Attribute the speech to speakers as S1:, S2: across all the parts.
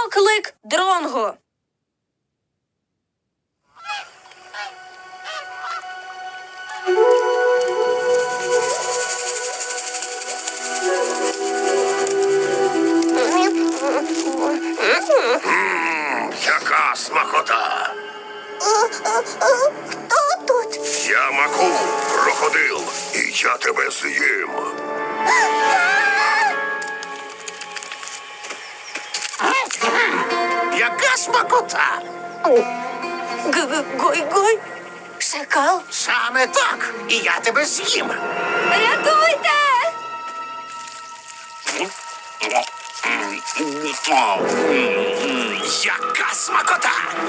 S1: Оклик Дронго.
S2: Яка смакота!
S3: Хто тут?
S2: Я Маку, крокодил, і я тебе з'їм.
S4: Яка смакота!
S1: Гой-гой. Шакал.
S4: Саме так. І я тебе з'їм.
S1: Рятуйте!
S4: Яка смакота!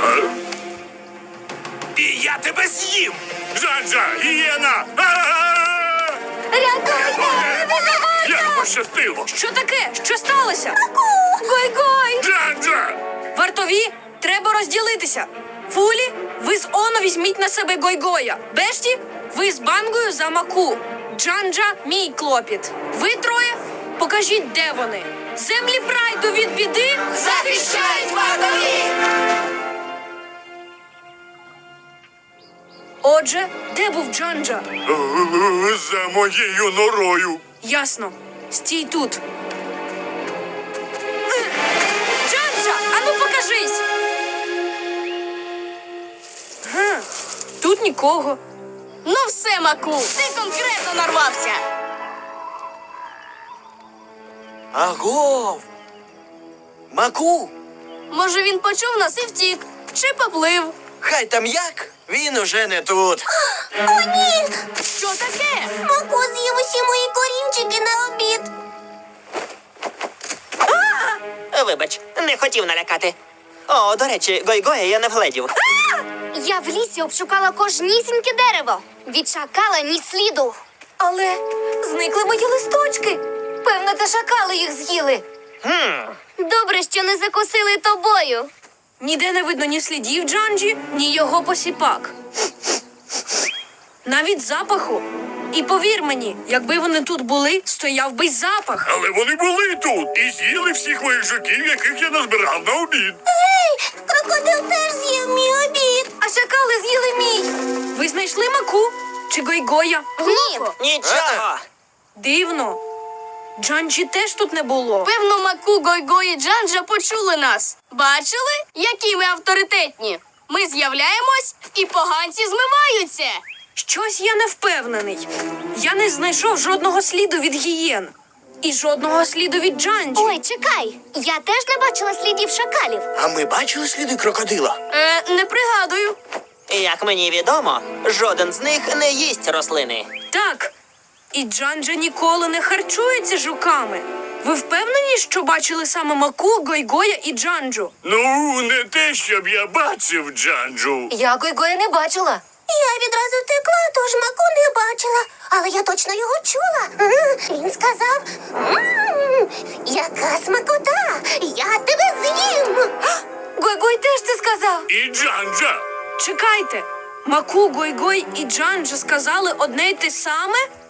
S4: І я тебе з'їм.
S2: Джанджа, гієна!
S1: Рятуйте!
S2: Як пощастило!
S1: Що таке? Що сталося? Гой-гой!
S2: Джанджа!
S1: Вартові, треба розділитися. Фулі, ви з Оно візьміть на себе Гой-Гоя. Бешті, ви з Бангою за Маку. Джанджа – мій клопіт. Ви троє покажіть, де вони. Землі прайду від біди захищають вартові! Отже, де був Джанджа?
S2: За моєю норою.
S1: Ясно. Стій тут. Джанджа, ану покажись! Тут нікого.
S3: Ну все, Маку, ти конкретно нарвався.
S4: Агов! Маку!
S3: Може, він почув нас і втік. Чи поплив.
S4: Хай там як, він уже не тут.
S3: О, ні! Що таке? Маку з'їв усі мої корінчики на обід.
S5: Вибач, не хотів налякати. О, до речі, Гой-Гоя я не вгледів.
S3: Я в лісі обшукала кожнісіньке дерево. Від шакала ні сліду.
S1: Але зникли мої листочки. Певно, це шакали їх з'їли.
S3: Добре, що не закусили тобою.
S1: Ніде не видно ні слідів Джанджі, ні його посіпак. Навіть запаху. І повір мені, якби вони тут були, стояв би й запах.
S2: Але вони були тут і з'їли всіх моїх жуків, яких я назбирав на обід.
S3: Крокодил теж з'їв мій обід.
S1: А шакали з'їли мій. Ви знайшли Маку? Чи Гой-Гоя?
S3: Ні.
S5: Нічого.
S1: Дивно. Джанджі теж тут не було.
S3: Певно, Маку, Гой-Гой і Джанджа почули нас. Бачили, які ми авторитетні? Ми з'являємось, і поганці змиваються.
S1: Щось я не впевнений. Я не знайшов жодного сліду від гієн. І жодного сліду від Джанджі.
S3: Ой, чекай. Я теж не бачила слідів шакалів.
S4: А ми бачили сліди крокодила?
S3: Не пригадую.
S5: Як мені відомо, жоден з них не їсть рослини.
S1: Так. І Джанджа ніколи не харчується жуками. Ви впевнені, що бачили саме Маку, Гой-Гоя і Джанджу?
S2: Ну, не те, щоб я бачив Джанджу.
S1: Я Гой-Гоя не бачила.
S3: Я відразу втекла, тож Маку не бачила. Але я точно його чула. Він сказав, яка смакота, я тебе з'їм.
S1: Гой-Гой теж це сказав.
S2: І Джанджа.
S1: Чекайте. Маку, Гой-Гой і Джанджа сказали одне й те саме?